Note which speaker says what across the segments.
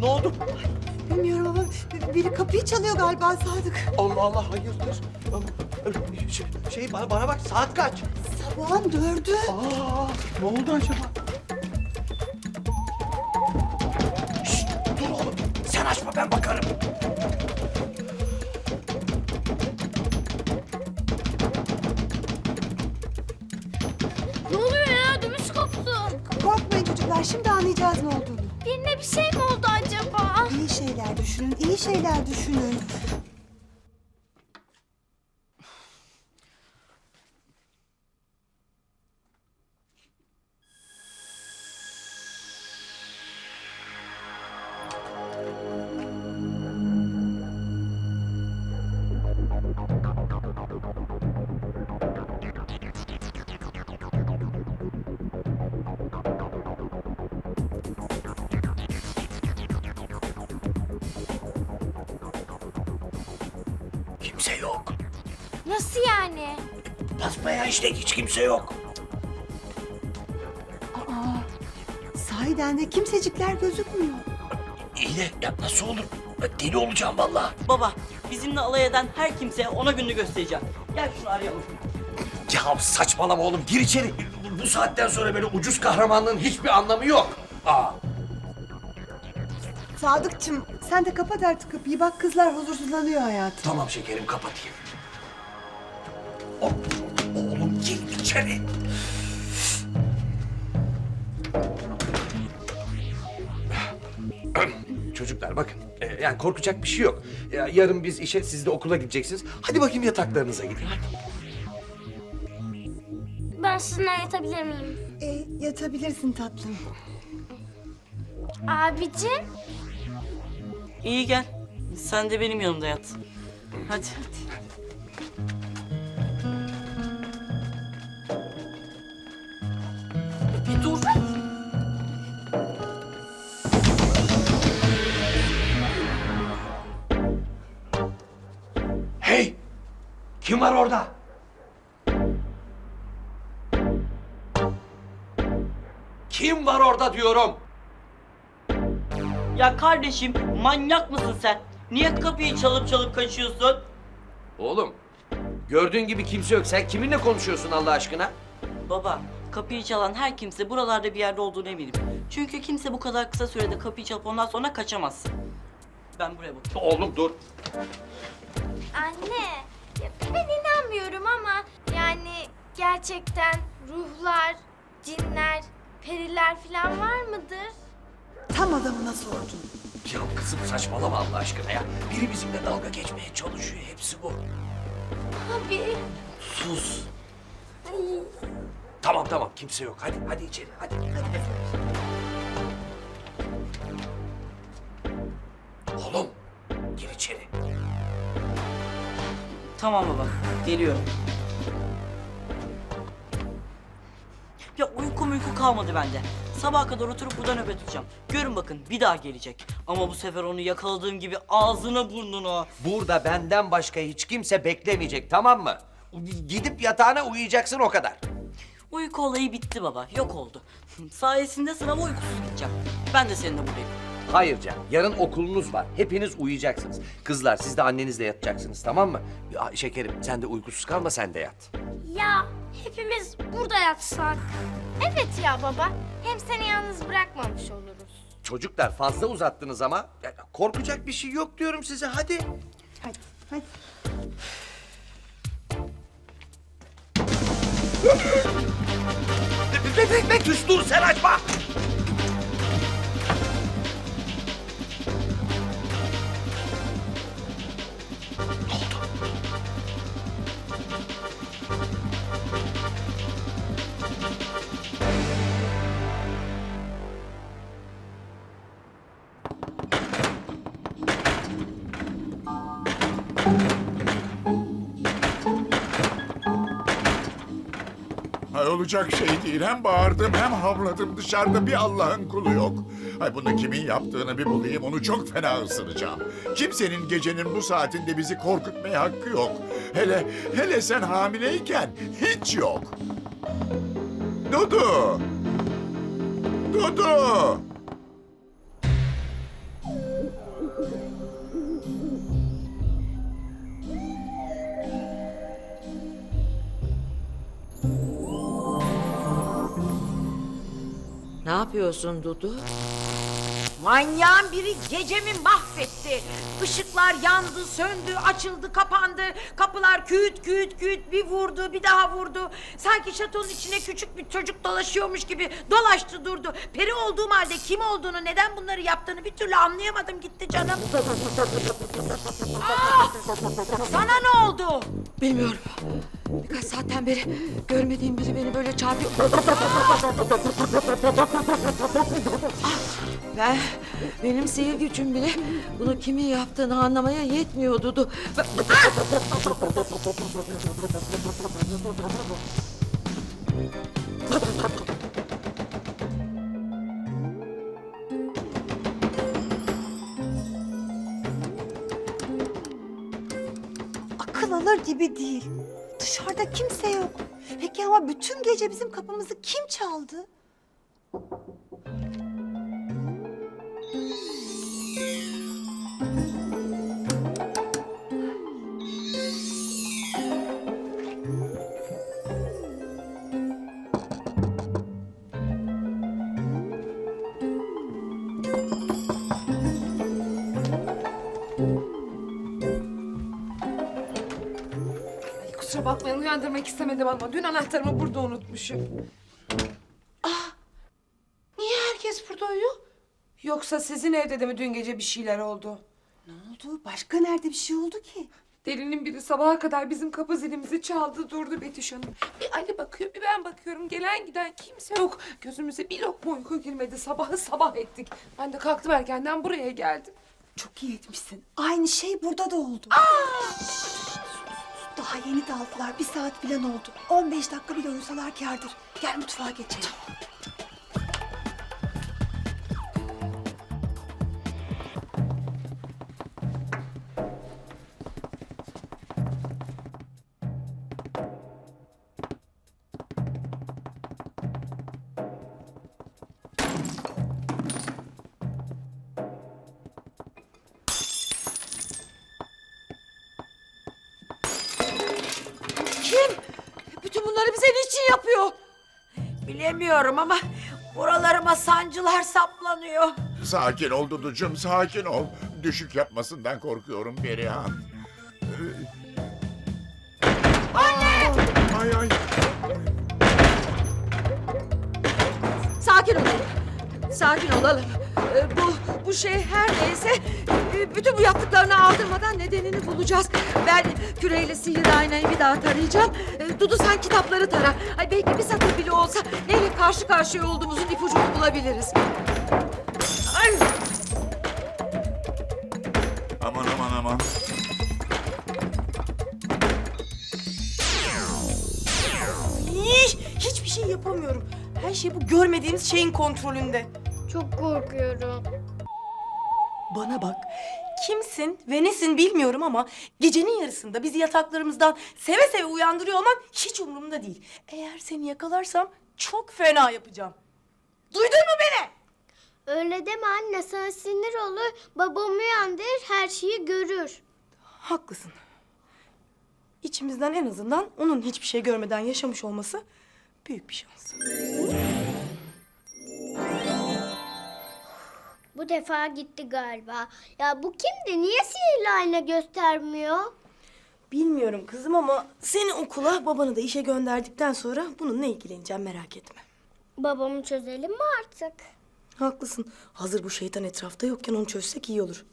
Speaker 1: Ne oldu?
Speaker 2: Bilmiyorum ama biri kapıyı çalıyor galiba Sadık.
Speaker 1: Allah Allah, hayırdır? Bana bak, saat kaç?
Speaker 2: Sabahın 4'ü.
Speaker 1: Aa, ne oldu acaba? Şşt, dur oğlum. Sen açma, ben bakarım.
Speaker 3: Ne oluyor ya? Dümüş koptu.
Speaker 2: Korkmayın çocuklar, şimdi anlayacağız ne olduğunu.
Speaker 3: Birine bir şey mi oldu acaba?
Speaker 2: İyi şeyler düşünün, iyi şeyler düşünün.
Speaker 1: Kimse yok.
Speaker 3: Nasıl yani?
Speaker 1: Basmaya işte, hiç kimse yok.
Speaker 2: Sahiden de kimsecikler gözükmüyor.
Speaker 1: İyi de ya nasıl olur? Ben deli olacağım vallahi.
Speaker 4: Baba, bizimle alay eden her kimseye ona gününü göstereceğim. Gel şunu arayalım.
Speaker 1: Ya saçmalama oğlum, gir içeri. Bu saatten sonra böyle ucuz kahramanlığın hiçbir anlamı yok. Aa.
Speaker 2: Sadıkçım, sen de kapat artık kapıyı. Bak kızlar huzursuzlanıyor hayatım.
Speaker 1: Tamam şekerim, kapatayım. Oğlum gir içeri. Çocuklar bakın, yani korkacak bir şey yok. Yarın biz işe, siz de okula gideceksiniz. Hadi bakayım yataklarınıza gidin. Hadi.
Speaker 3: Ben sizinle yatabilir miyim?
Speaker 2: Yatabilirsin tatlım.
Speaker 3: Abicim.
Speaker 4: İyi gel. Sen de benim yanımda yat. Hadi. Bir dur.
Speaker 1: Hey! Kim var orada? Kim var orada diyorum?
Speaker 4: Ya kardeşim, manyak mısın sen? Niye kapıyı çalıp çalıp kaçıyorsun?
Speaker 1: Oğlum, gördüğün gibi kimse yok. Sen kiminle konuşuyorsun Allah aşkına?
Speaker 4: Baba, kapıyı çalan her kimse buralarda bir yerde olduğunu eminim. Çünkü kimse bu kadar kısa sürede kapıyı çalıp ondan sonra kaçamaz. Ben buraya bakıyorum.
Speaker 1: Oğlum dur.
Speaker 3: Anne. Ya ben inanmıyorum ama yani gerçekten ruhlar, cinler, periler falan var mıdır?
Speaker 2: Tam adamına sordun.
Speaker 1: Ya kızım saçmalama Allah aşkına ya. Biri bizimle dalga geçmeye çalışıyor. Hepsi bu.
Speaker 3: Abi.
Speaker 1: Sus. Tamam tamam, kimse yok. Hadi içeri, hadi. Oğlum, gir içeri.
Speaker 4: Tamam baba, geliyorum. Ya uyku kalmadı bende. Sabaha kadar oturup burada nöbet tutacağım. Görün bakın, bir daha gelecek. Ama bu sefer onu yakaladığım gibi ağzına burnuna.
Speaker 1: Burada benden başka hiç kimse beklemeyecek, tamam mı? Gidip yatağına uyuyacaksın, o kadar.
Speaker 4: Uyku olayı bitti baba, yok oldu. Sayesinde sınava uykusuz gideceğim. Ben de seninle buradayım.
Speaker 1: Hayır Can, yarın okulunuz var. Hepiniz uyuyacaksınız. Kızlar, siz de annenizle yatacaksınız, tamam mı? Ya, şekerim, sen de uykusuz kalma, sen de yat.
Speaker 3: Ya hepimiz burada yatsak. Evet ya baba. Hem seni yalnız bırakmamış oluruz.
Speaker 1: Çocuklar, fazla uzattınız ama. Ya, korkacak bir şey yok diyorum size, hadi.
Speaker 2: Hadi.
Speaker 1: Betüş dur, sen açma! Ne oldu?
Speaker 5: Ay olacak şey değil. Hem bağırdım hem havladım. Dışarıda bir Allah'ın kulu yok. Ay bunu kimin yaptığını bir bulayım. Onu çok fena ısıracağım. Kimsenin gecenin bu saatinde bizi korkutmaya hakkı yok. Hele sen hamileyken hiç yok. Dudu! Dudu!
Speaker 6: Ne yapıyorsun Dudu?
Speaker 7: Manyağın biri gecemi mahvetti. Işıklar yandı, söndü, açıldı, kapandı. Kapılar küt küt küt bir vurdu, bir daha vurdu. Sanki şatonun içine küçük bir çocuk dolaşıyormuş gibi dolaştı durdu. Peri olduğum halde kim olduğunu, neden bunları yaptığını bir türlü anlayamadım gitti canım. Ah! Sana ne oldu?
Speaker 6: Bilmiyorum. Birkaç saatten beri görmediğim biri beni böyle çarpıyor. Benim sihir gücüm bile bunu kimin yaptığını anlamaya yetmiyor Dudu.
Speaker 2: Akıl alır gibi değil. Dışarıda kimse yok. Peki ama bütün gece bizim kapımızı kim çaldı?
Speaker 8: Kusura bakmayın uyandırmak istemedim ama dün anahtarımı burada unutmuşum. Niye herkes burada uyuyor? Yoksa sizin evde de mi dün gece bir şeyler oldu?
Speaker 2: Ne oldu? Başka nerede bir şey oldu ki?
Speaker 8: Delinin biri sabaha kadar bizim kapı zilimizi çaldı durdu Betüş Hanım. Bir Ali bakıyor bir ben bakıyorum. Gelen giden kimse yok. Gözümüze bir lokma uyku girmedi. Sabahı sabah ettik. Ben de kalktım erkenden buraya geldim.
Speaker 2: Çok iyi etmişsin. Aynı şey burada da oldu. Daha yeni daldılar. 1 saat falan oldu. 15 dakika bile uyusalar kârdır. Gel mutfağa geçelim.
Speaker 6: Kim? Bütün bunları bize niçin yapıyor?
Speaker 7: Bilemiyorum ama buralarıma sancılar saplanıyor.
Speaker 5: Sakin ol Duducuğum, sakin ol. Düşük yapmasından korkuyorum Perihan. Anne! Ay ay.
Speaker 6: Sakin olalım. Sakin olalım. Bu şey her neyse bütün bu yaptıklarını aldırmadan nedenini bulacağız. Ben küreyle sihirli aynayı bir daha tarayacağım. Dudu sen kitapları tara. Ay belki bir satır bile olsa neyle karşı karşıya olduğumuzun ipucunu bulabiliriz. Ay.
Speaker 5: Aman aman aman.
Speaker 9: Hiçbir şey yapamıyorum. Her şey bu görmediğimiz şeyin kontrolünde.
Speaker 3: Çok korkuyorum.
Speaker 9: Bana bak. Kimsin ve nesin bilmiyorum ama gecenin yarısında bizi yataklarımızdan seve seve uyandırıyor olman hiç umurumda değil. Eğer seni yakalarsam çok fena yapacağım. Duydun mu beni?
Speaker 3: Öyle deme anne sana sinir olur. Babam uyandırır her şeyi görür.
Speaker 9: Haklısın. İçimizden en azından onun hiçbir şey görmeden yaşamış olması büyük bir şans.
Speaker 3: Bu defa gitti galiba. Ya bu kimdi? Niye sihirli ayna göstermiyor?
Speaker 9: Bilmiyorum kızım ama seni okula babanı da işe gönderdikten sonra bununla ilgileneceğim, merak etme.
Speaker 3: Babamı çözelim mi artık?
Speaker 9: Haklısın. Hazır bu şeytan etrafta yokken onu çözsek iyi olur.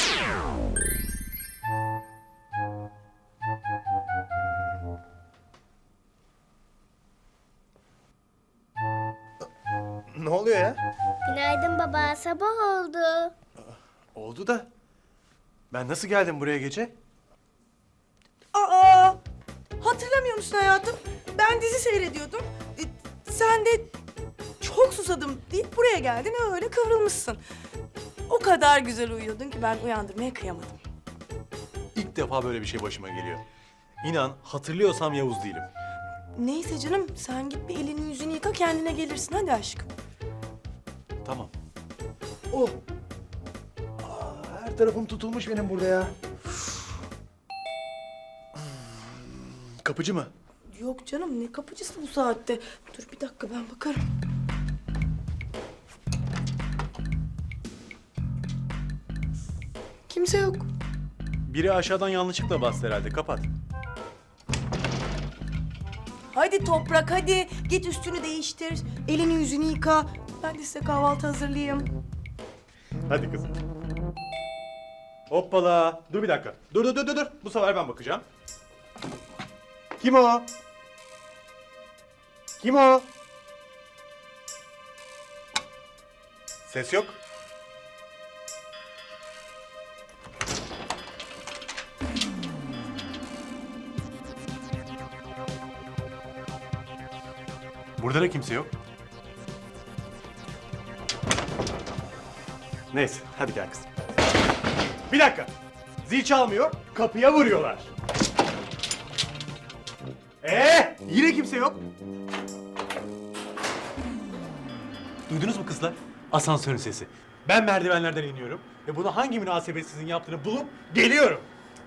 Speaker 10: Ne oluyor ya?
Speaker 3: Günaydın baba. Sabah oldu.
Speaker 10: Oldu da. Ben nasıl geldim buraya gece?
Speaker 9: Aa! Hatırlamıyor musun hayatım? Ben dizi seyrediyordum. Sen de çok susadım deyip buraya geldin ve öyle kıvrılmışsın. O kadar güzel uyuyordun ki ben uyandırmaya kıyamadım.
Speaker 10: İlk defa böyle bir şey başıma geliyor. İnan hatırlıyorsam Yavuz değilim.
Speaker 9: Neyse canım, sen git bir elini yüzünü yıka, kendine gelirsin. Hadi aşkım.
Speaker 10: Tamam.
Speaker 9: Oh!
Speaker 10: Her Her tarafım tutulmuş benim burada ya. Kapıcı mı?
Speaker 9: Yok canım, ne kapıcısı bu saatte? Dur bir dakika, ben bakarım. Kimse yok.
Speaker 10: Biri aşağıdan yanlışlıkla bastı herhalde. Kapat.
Speaker 9: Hadi Toprak, hadi. Git üstünü değiştir. Elini yüzünü yıka. Ben de size kahvaltı hazırlayayım.
Speaker 10: Hadi kızım. Hoppala. Dur bir dakika. Dur. Bu sefer ben bakacağım. Kim o? Kim o? Ses yok. Burada da kimse yok. Neyse, hadi gel kızım. Bir dakika. Zil çalmıyor, kapıya vuruyorlar. Yine kimse yok. Duydunuz mu kızlar? Asansörün sesi. Ben merdivenlerden iniyorum ve bunu hangi münasebetsizin yaptığını bulup geliyorum.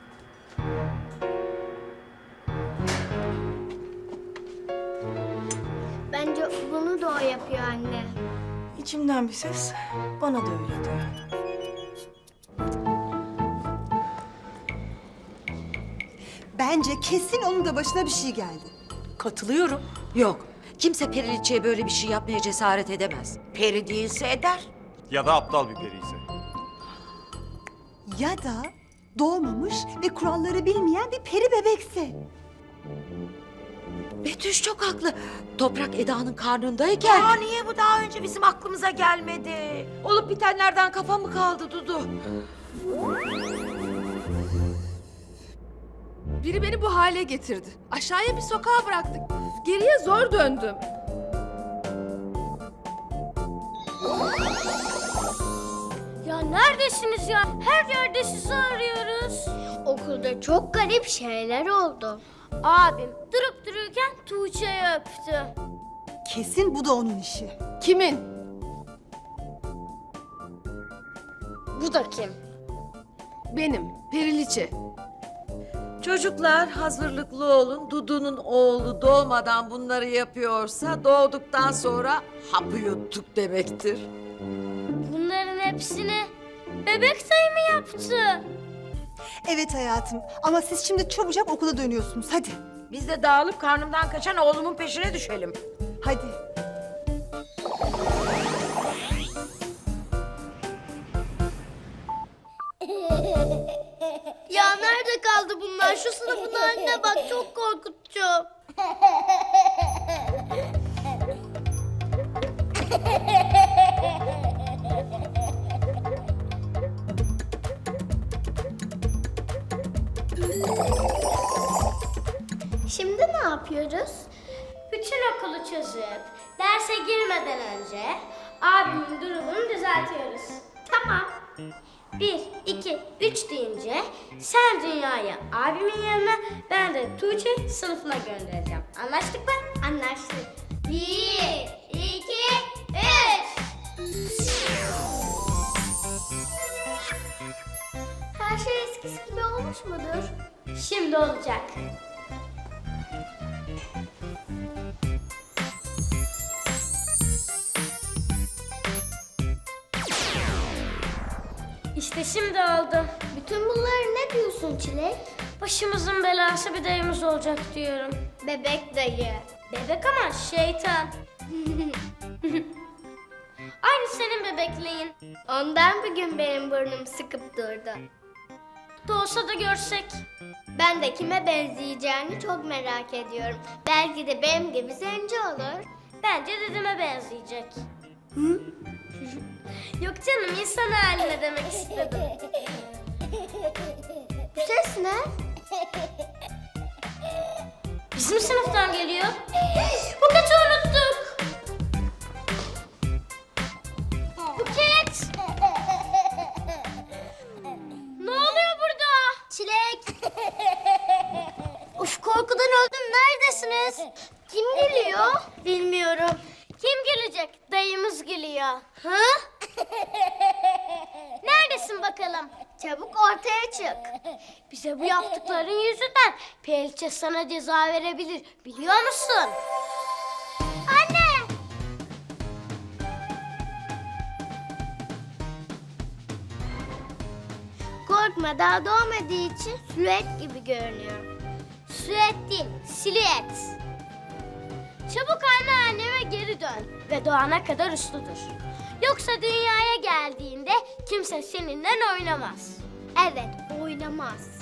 Speaker 3: Bence bunu da o yapıyor anne.
Speaker 9: İçimden bir ses bana da öyle diyor.
Speaker 2: Bence kesin onun da başına bir şey geldi.
Speaker 9: Katılıyorum.
Speaker 6: Yok. Kimse Periliçe'ye böyle bir şey yapmaya cesaret edemez.
Speaker 7: Peri değilse eder.
Speaker 10: Ya da aptal bir periyse.
Speaker 2: Ya da doğmamış ve kuralları bilmeyen bir peri bebekse.
Speaker 6: Betüş çok haklı. Toprak Eda'nın karnındayken
Speaker 7: Niye bu daha önce bizim aklımıza gelmedi?
Speaker 6: olup bitenlerden kafa mı kaldı Dudu?
Speaker 8: Biri beni bu hale getirdi. Aşağıya bir sokağa bıraktık. Geriye zor döndüm.
Speaker 3: Ya neredesiniz ya? Her yerde sizi arıyoruz. Okulda çok garip şeyler oldu. Abim durup dururken Tuğçe'yi öptü.
Speaker 2: Kesin bu da onun işi.
Speaker 8: Kimin?
Speaker 3: Bu da kim?
Speaker 8: Benim. Periliçe.
Speaker 6: Çocuklar hazırlıklı olun. Dudu'nun oğlu doğmadan bunları yapıyorsa doğduktan sonra hapı yuttuk demektir.
Speaker 3: Bunların hepsini bebek sayı mı yaptı?
Speaker 2: Evet hayatım ama siz şimdi çabucak okula dönüyorsunuz. Hadi.
Speaker 7: Biz de dağılıp karnımdan kaçan oğlumun peşine düşelim.
Speaker 2: Hadi.
Speaker 3: Ya nerede kaldı bunlar? Şu sınıfın haline bak, çok korkutucu. Şimdi ne yapıyoruz? Bütün okulu çözüp derse girmeden önce abimin durumunu düzeltiyoruz. Tamam. 1, 2, 3 deyince sen Dünya'yı abimin yanına, ben de Tuğçe sınıfına göndereceğim. Anlaştık mı? Anlaştık. 1, 2, 3. Her şey eskisi gibi olmuş mudur? Şimdi olacak. İşte şimdi oldu. Bütün bunları ne diyorsun Çilek? Başımızın belası bir dayımız olacak diyorum. Bebek dayı. Bebek ama şeytan. Aynı senin bebekliğin. Ondan bugün benim burnum sıkıp durdu. Doğsa da görsek. Ben de kime benzeyeceğini çok merak ediyorum. Belki de benim gibi zenci olur. Bence dedeme benzeyecek. Hı? Yok canım, insan haline demek istedim. Bu ses ne? Bizim sınıftan geliyor. Buket'i unuttuk. Buket! Ne oluyor burada? Çilek! Uf, korkudan öldüm. Neredesiniz? Kim geliyor? Bilmiyorum. Kim gelecek? Dayımız geliyor. Ha? Neredesin bakalım? Çabuk ortaya çık. Bize bu yaptıkların yüzünden Periçe sana ceza verebilir. Biliyor musun? Anne! Korkma, daha doğmadığı için silüet gibi görünüyor. Silüet değil, silüet. Çabuk anneanneme geri dön ve doğana kadar uslu dur. Yoksa dünyaya geldiğinde kimse seninle oynamaz. Evet, oynamaz.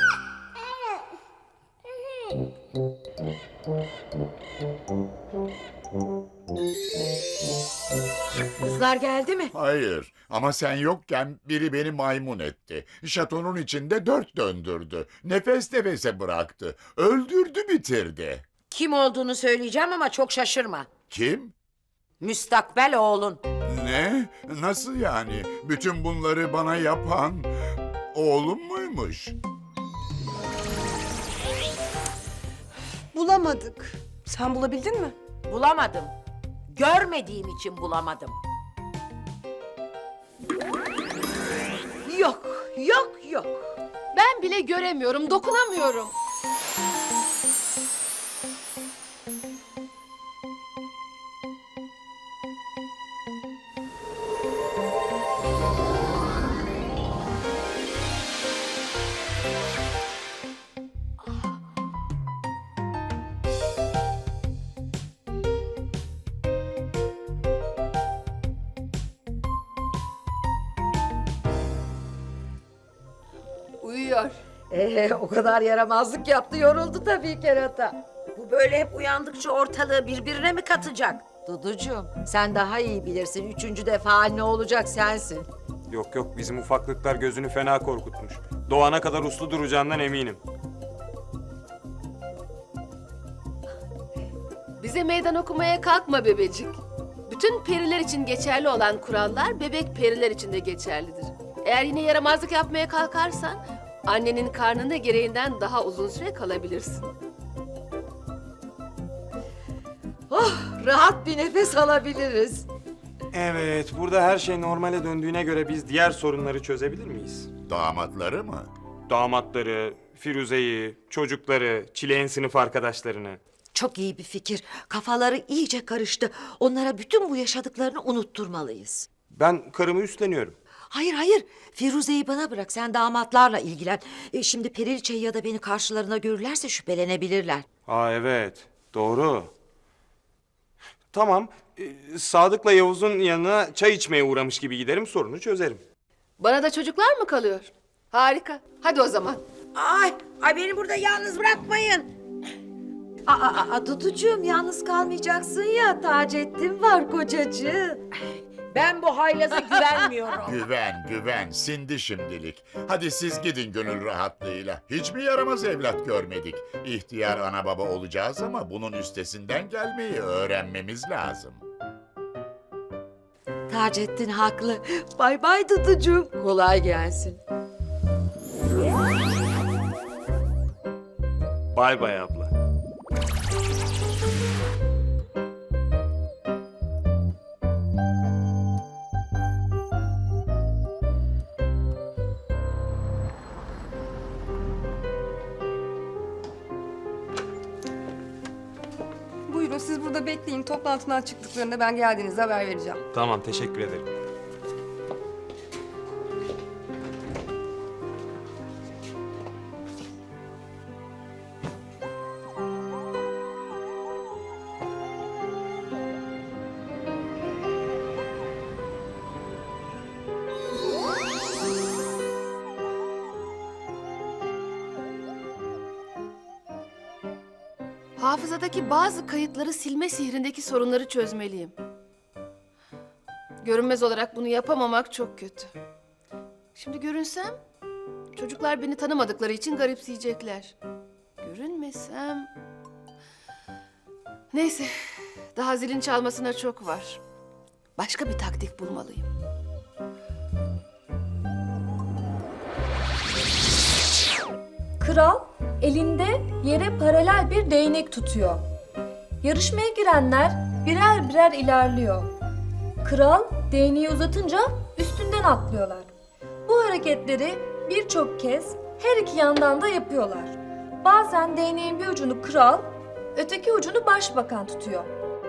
Speaker 7: Kızlar geldi mi?
Speaker 5: Hayır ama sen yokken biri beni maymun etti. Şatonun içinde 4 döndürdü. Nefes nefese bıraktı. Öldürdü bitirdi.
Speaker 7: Kim olduğunu söyleyeceğim ama çok şaşırma.
Speaker 5: Kim?
Speaker 7: Müstakbel oğlun.
Speaker 5: Ne? Nasıl yani? Bütün bunları bana yapan oğlum muymuş?
Speaker 2: Bulamadık.
Speaker 9: Sen bulabildin mi?
Speaker 7: Bulamadım. Görmediğim için bulamadım. Yok, yok, yok.
Speaker 8: Ben bile göremiyorum, dokunamıyorum. Uyuyor.
Speaker 6: O kadar yaramazlık yaptı, yoruldu tabii kerata.
Speaker 7: Bu böyle hep uyandıkça ortalığı birbirine mi katacak?
Speaker 6: Duducuğum, sen daha iyi bilirsin. 3. defa ne olacak sensin.
Speaker 11: Yok yok, bizim ufaklıklar gözünü fena korkutmuş. Doğana kadar uslu duracağından eminim.
Speaker 8: Bize meydan okumaya kalkma bebecik. Bütün periler için geçerli olan kurallar bebek periler için de geçerlidir. Eğer yine yaramazlık yapmaya kalkarsan annenin karnında gereğinden daha uzun süre kalabilirsin.
Speaker 6: Oh, rahat bir nefes alabiliriz.
Speaker 11: Evet, burada her şey normale döndüğüne göre biz diğer sorunları çözebilir miyiz?
Speaker 5: Damatları mı?
Speaker 11: Damatları, Firuze'yi, çocukları, Çilek'in sınıf arkadaşlarını.
Speaker 6: Çok iyi bir fikir. Kafaları iyice karıştı. Onlara bütün bu yaşadıklarını unutturmalıyız.
Speaker 11: Ben karımı üstleniyorum.
Speaker 6: Hayır hayır. Firuze'yi bana bırak. Sen damatlarla ilgilen. Şimdi Periliçe'yi ya da beni karşılarına görürlerse şüphelenebilirler.
Speaker 11: Aa evet, doğru. Tamam, Sadık'la Yavuz'un yanına çay içmeye uğramış gibi giderim, sorunu çözerim.
Speaker 8: Bana da çocuklar mı kalıyor? Harika. Hadi o zaman.
Speaker 7: Ay beni burada yalnız bırakmayın.
Speaker 6: Duducuğum, yalnız kalmayacaksın ya. Taceddin var kocacığım.
Speaker 7: Ben bu haylaza güvenmiyorum.
Speaker 5: Güven, sindi şimdilik. Hadi siz gidin gönül rahatlığıyla. Hiç mi yaramaz evlat görmedik? İhtiyar ana baba olacağız ama bunun üstesinden gelmeyi öğrenmemiz lazım.
Speaker 6: Taceddin haklı. Bay bay Duducuğum. Kolay gelsin.
Speaker 11: Bay bay abla.
Speaker 12: Buyurun siz burada bekleyin. Toplantıdan çıktıklarında ben geldiğinizde haber vereceğim.
Speaker 11: Tamam, teşekkür ederim.
Speaker 8: Hafızadaki bazı kayıtları silme sihrindeki sorunları çözmeliyim. Görünmez olarak bunu yapamamak çok kötü. Şimdi görünsem, çocuklar beni tanımadıkları için garipseyecekler. Görünmesem... Neyse, daha zilin çalmasına çok var. Başka bir taktik bulmalıyım.
Speaker 13: Kral elinde yere paralel bir değnek tutuyor. Yarışmaya girenler birer birer ilerliyor. Kral değneği uzatınca üstünden atlıyorlar. Bu hareketleri birçok kez her iki yandan da yapıyorlar. Bazen değneğin bir ucunu kral, öteki ucunu başbakan tutuyor.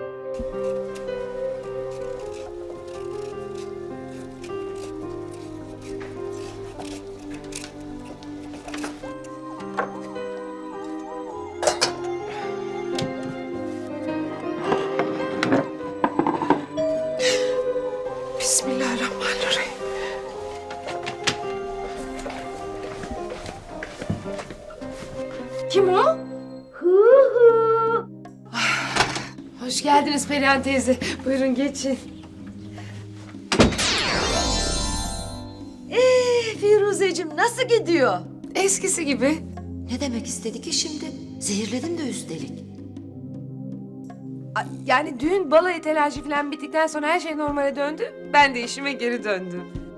Speaker 8: Bismillahirrahmanirrahim.
Speaker 2: Kim o?
Speaker 8: Hoş geldiniz Perihan teyze. Buyurun geçin.
Speaker 6: Firuzeciğim nasıl gidiyor?
Speaker 8: Eskisi gibi.
Speaker 6: Ne demek istedi ki şimdi? Zehirledin de üstelik.
Speaker 8: Yani düğün balayı telaşı falan bittikten sonra her şey normale döndü. Ben de işime geri döndüm.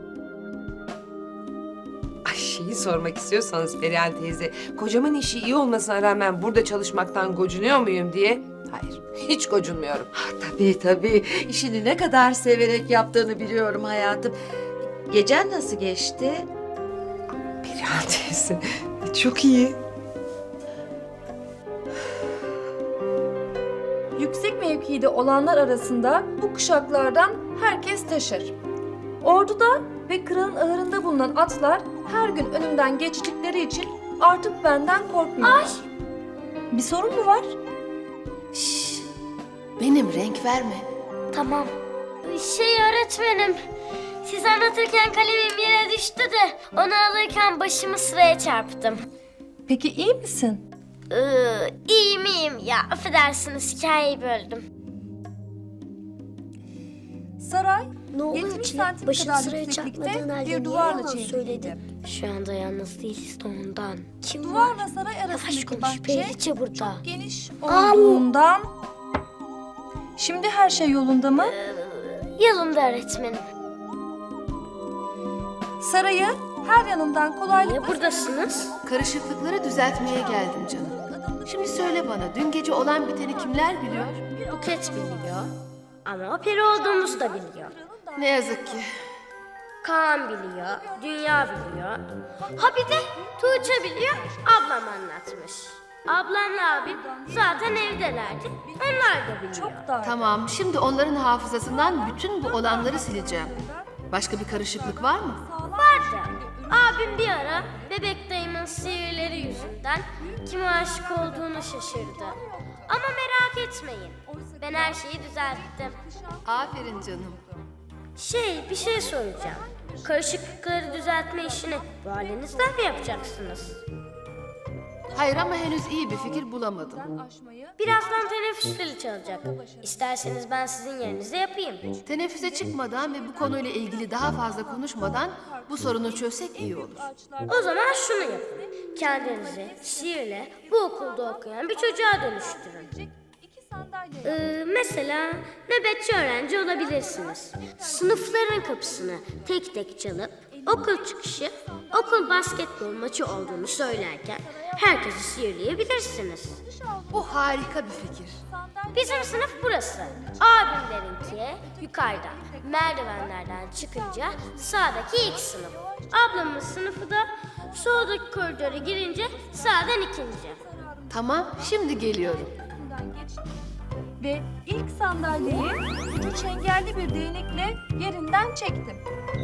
Speaker 8: Ay şeyi sormak istiyorsanız Perihan teyze, kocamın işi iyi olmasına rağmen burada çalışmaktan gocunuyor muyum diye. Hayır, hiç gocunmuyorum.
Speaker 6: Tabii. İşini ne kadar severek yaptığını biliyorum hayatım. Gecen nasıl geçti?
Speaker 8: Perihan teyze, çok iyi.
Speaker 13: Yüksek mevkide olanlar arasında bu kuşaklardan herkes taşır. Orduda ve kralın ahırında bulunan atlar her gün önümden geçtikleri için artık benden korkmuyorlar. Bir sorun mu var?
Speaker 12: Benim renk verme.
Speaker 3: Tamam. Öğretmenim. Siz anlatırken kalemim yere düştü de onu alırken başımı sıraya çarptım.
Speaker 13: Peki iyi misin?
Speaker 3: İyiyim ya. Affedersiniz hikayeyi böldüm.
Speaker 13: Saray,
Speaker 3: Ne oluyor
Speaker 13: 70
Speaker 3: ki?
Speaker 13: santim
Speaker 3: Başını
Speaker 13: kadar
Speaker 3: sıraya
Speaker 13: yükseklikte
Speaker 3: çarpmadığın halde
Speaker 13: bir
Speaker 3: niye
Speaker 13: duvarla
Speaker 3: yalan
Speaker 13: çevriliydi.
Speaker 3: söyledin? Şu anda yalnız değiliz de ondan. Kim var?
Speaker 13: Duvarla saray
Speaker 3: Yavaş
Speaker 13: arasındaki
Speaker 3: konuş.
Speaker 13: bahçe
Speaker 3: Periliçe burada.
Speaker 13: çok geniş olduğundan... Şimdi her şey yolunda mı?
Speaker 3: Yolunda öğretmenim.
Speaker 13: Sarayı her yanından kolaylıkla...
Speaker 3: Niye buradasınız?
Speaker 12: Karışıklıkları düzeltmeye geldim canım. Şimdi söyle bana, dün gece olan biteni kimler biliyor?
Speaker 3: Buket biliyor. Ama o peri olduğumuzu da biliyor.
Speaker 12: Ne yazık ki.
Speaker 3: Kaan biliyor. Dünya biliyor. Ha bir de Tuğçe biliyor. Ablam anlatmış. Ablamla abim zaten evdelerdi. Onlar da biliyor.
Speaker 13: Çok dar.
Speaker 12: Tamam, şimdi onların hafızasından bütün bu olanları sileceğim. Başka bir karışıklık var mı?
Speaker 3: Vardı. Abim bir ara bebek dayımın sihirleri yüzünden kime aşık olduğunu şaşırdı. Ama merak etmeyin. Ben her şeyi düzelttim.
Speaker 12: Aferin canım.
Speaker 3: Bir şey soracağım. Karışıklıkları düzeltme işini bu halinizden mi yapacaksınız?
Speaker 12: Hayır ama henüz iyi bir fikir bulamadım.
Speaker 3: Birazdan teneffüs zili çalacak. İsterseniz ben sizin yerinize yapayım.
Speaker 12: Teneffüse çıkmadan ve bu konuyla ilgili daha fazla konuşmadan bu sorunu çözsek iyi olur.
Speaker 3: O zaman şunu yapın. Kendinizi sihirle bu okulda okuyan bir çocuğa dönüştürün. Mesela nöbetçi öğrenci olabilirsiniz. Sınıfların kapısını tek tek çalıp okul çıkışı, okul basketbol maçı olduğunu söylerken herkesi sihirleyebilirsiniz.
Speaker 12: Bu harika bir fikir.
Speaker 3: Bizim sınıf burası. Abimlerinki yukarıda. Merdivenlerden çıkınca sağdaki ilk sınıf. Ablamın sınıfı da soldaki koridora girince sağdan ikinci.
Speaker 12: Tamam, şimdi geliyorum.
Speaker 13: Ve ilk sandalyeyi iki çengelli bir değnekle yerinden çektim.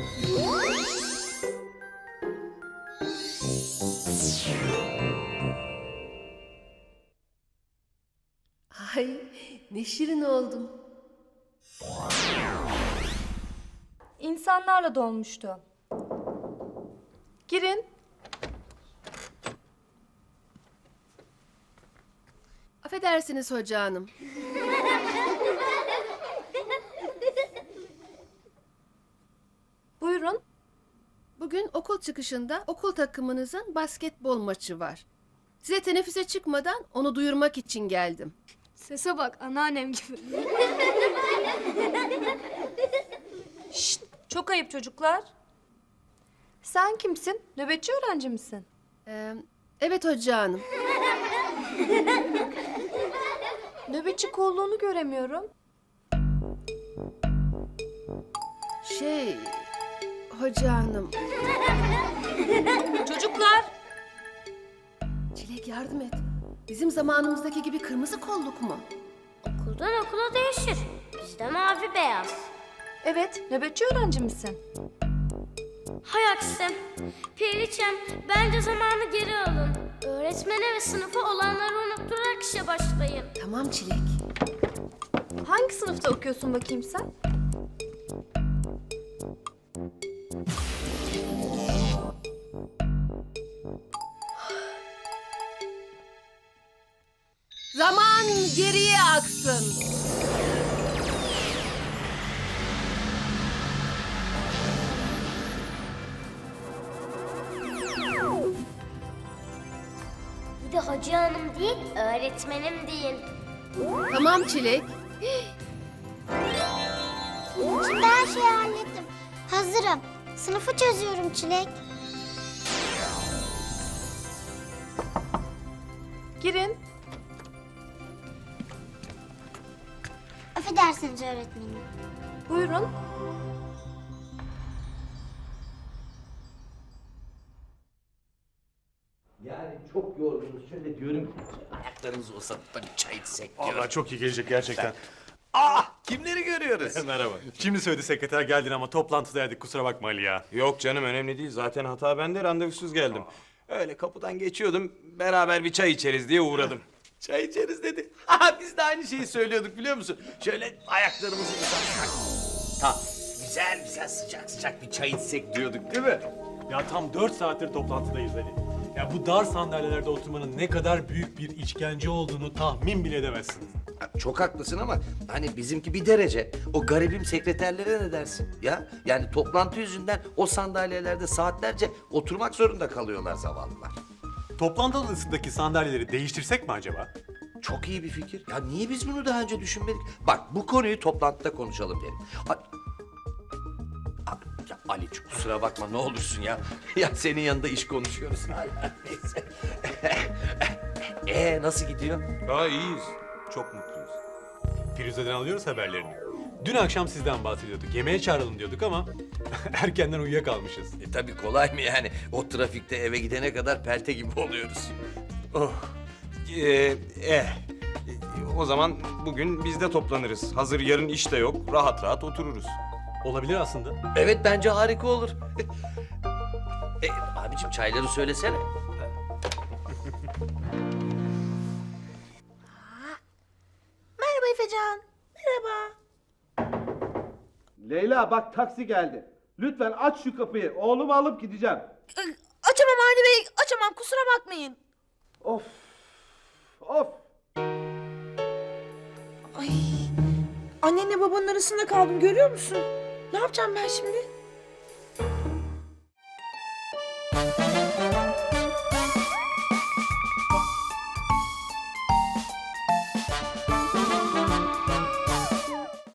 Speaker 12: Ay, ne şirin oldum.
Speaker 13: İnsanlarla dolmuştu. Girin.
Speaker 12: Affedersiniz hoca hanım.
Speaker 13: Buyurun.
Speaker 12: Bugün okul çıkışında okul takımınızın basketbol maçı var. Size teneffüse çıkmadan onu duyurmak için geldim.
Speaker 3: Sese bak anneannem gibi.
Speaker 13: Şşt, çok ayıp çocuklar. Sen kimsin? Nöbetçi öğrenci misin?
Speaker 12: Evet hoca hanım.
Speaker 13: Nöbetçi kolluğunu göremiyorum.
Speaker 12: Hoca hanım.
Speaker 13: Çocuklar,
Speaker 12: Çilek yardım et. Bizim zamanımızdaki gibi kırmızı kolluk mu?
Speaker 3: Okuldan okula değişir. Bizde mavi beyaz.
Speaker 13: evet, nöbetçi öğrenci misin?
Speaker 3: Hay aksi. Periçem, bence zamanı geri alın. Öğretmene ve sınıfa olanları unutturarak işe başlayın.
Speaker 12: Tamam Çilek.
Speaker 13: Hangi sınıfta okuyorsun bakayım sen?
Speaker 12: Zaman geriye aksın.
Speaker 3: Bir de Hacı Hanım değil, öğretmenim deyin.
Speaker 12: Tamam Çilek.
Speaker 3: Şimdi her şeyi hallettim. Hazırım. Sınıfı çözüyorum Çilek.
Speaker 13: Girin.
Speaker 3: Affedersiniz öğretmenim.
Speaker 13: Buyurun.
Speaker 1: Yani çok yorgunuz. Şöyle diyorum ki ayaklarımızı uzatıp da bir çay içsek diyorum.
Speaker 10: Vallahi çok iyi gelecek gerçekten.
Speaker 1: Kimleri görüyoruz?
Speaker 10: Merhaba. Şimdi söyledi sekreter geldin ama toplantıdaydık, kusura bakma Ali ya.
Speaker 11: Yok canım, önemli değil. Zaten hata bende, randevusuz geldim. Öyle kapıdan geçiyordum, beraber bir çay içeriz diye uğradım.
Speaker 1: Çay içeriz dedi. Ha, biz de aynı şeyi söylüyorduk biliyor musun? Şöyle ayaklarımızı uzatsak. Ha, güzel güzel sıcak sıcak bir çay içsek diyorduk değil mi?
Speaker 10: Ya tam 4 saattir toplantıdayız Ali. Ya bu dar sandalyelerde oturmanın ne kadar büyük bir işkence olduğunu tahmin bile edemezsin.
Speaker 1: Ha, çok haklısın ama hani bizimki bir derece. O garibim sekreterlere ne dersin ya? Yani toplantı yüzünden o sandalyelerde saatlerce oturmak zorunda kalıyorlar zavallılar.
Speaker 10: Toplantı odasındaki sandalyeleri değiştirsek mi acaba?
Speaker 1: Çok iyi bir fikir. Ya niye biz bunu daha önce düşünmedik? Bak bu konuyu toplantıda konuşalım derim. Ya Ali kusura bakma ne olursun ya. Ya senin yanında iş konuşuyoruz hala. Neyse. Nasıl gidiyor?
Speaker 11: Aa, iyiyiz. Çok mutluyuz.
Speaker 10: Firuze'den alıyoruz haberlerini. Dün akşam sizden bahsediyorduk. Yemeğe çağıralım diyorduk ama erkenden uyuyakalmışız.
Speaker 1: Tabii kolay mı yani? O trafikte eve gidene kadar pelte gibi oluyoruz.
Speaker 11: Oh. O zaman bugün biz de toplanırız. Hazır yarın iş de yok. Rahat rahat otururuz.
Speaker 10: Olabilir aslında.
Speaker 1: Evet bence harika olur. Abicim çayları söylesene.
Speaker 9: Merhaba Efecan. Merhaba.
Speaker 14: Leyla bak taksi geldi. Lütfen aç şu kapıyı. Oğlumu alıp gideceğim.
Speaker 9: Açamam Avni Bey, açamam. Kusura bakmayın.
Speaker 14: Of. Of.
Speaker 9: Ay, annenle babanın arasında kaldım görüyor musun? Ne yapacağım ben şimdi?